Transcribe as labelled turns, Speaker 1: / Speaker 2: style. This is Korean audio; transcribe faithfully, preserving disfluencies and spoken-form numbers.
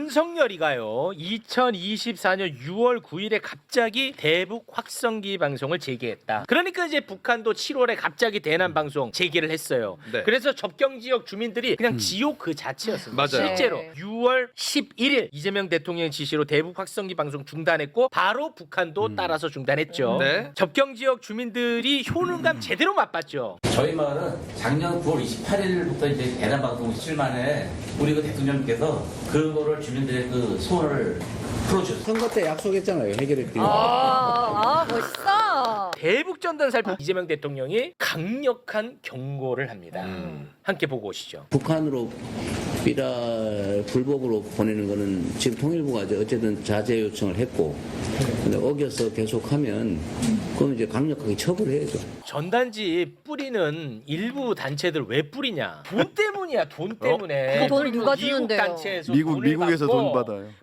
Speaker 1: 윤석열이가요 이천이십사 년 유월 구일에 갑자기 대북 확성기 방송을 재개했다. 그러니까 이제 북한도 칠월에 갑자기 대남 방송 재개를 했어요.
Speaker 2: 네.
Speaker 1: 그래서 접경 지역 주민들이 그냥 지옥 그 자체였습니다.
Speaker 2: 맞아요.
Speaker 1: 실제로
Speaker 3: 네.
Speaker 1: 유월 십일일 이재명 대통령 지시로 대북 확성기 방송 중단했고 바로 북한도 따라서 중단했죠.
Speaker 2: 네.
Speaker 1: 접경 지역 주민들이 효능감 제대로 맛봤죠.
Speaker 4: 저희 마을은 작년 구월 이십팔일부터 이제 대남 방송 실만에 우리 그 대통령께서 그거를 주민들의 그 소원을 풀어주셨어요.
Speaker 5: 선거 때 약속했잖아요. 해결했더니.
Speaker 3: 아, 아 멋있어.
Speaker 1: 대북 전단 살포 이재명 대통령이 강력한 경고를 합니다.
Speaker 2: 음.
Speaker 1: 함께 보고 오시죠.
Speaker 5: 북한으로 삐라 불법으로 보내는 거는 지금 통일부가 이제 어쨌든 자제 요청을 했고, 근데 어겨서 계속하면 그건 이제 강력하게 처벌해야죠.
Speaker 1: 전단지 뿌리는 일부 단체들 왜 뿌리냐? 돈 때문이야. 돈 때문에.
Speaker 3: 그 돈을 누가
Speaker 1: 미국
Speaker 3: 주는데요?
Speaker 1: 단체에서
Speaker 6: 미국
Speaker 1: 돈을
Speaker 6: 미국에서
Speaker 1: 받고
Speaker 6: 돈 받아요.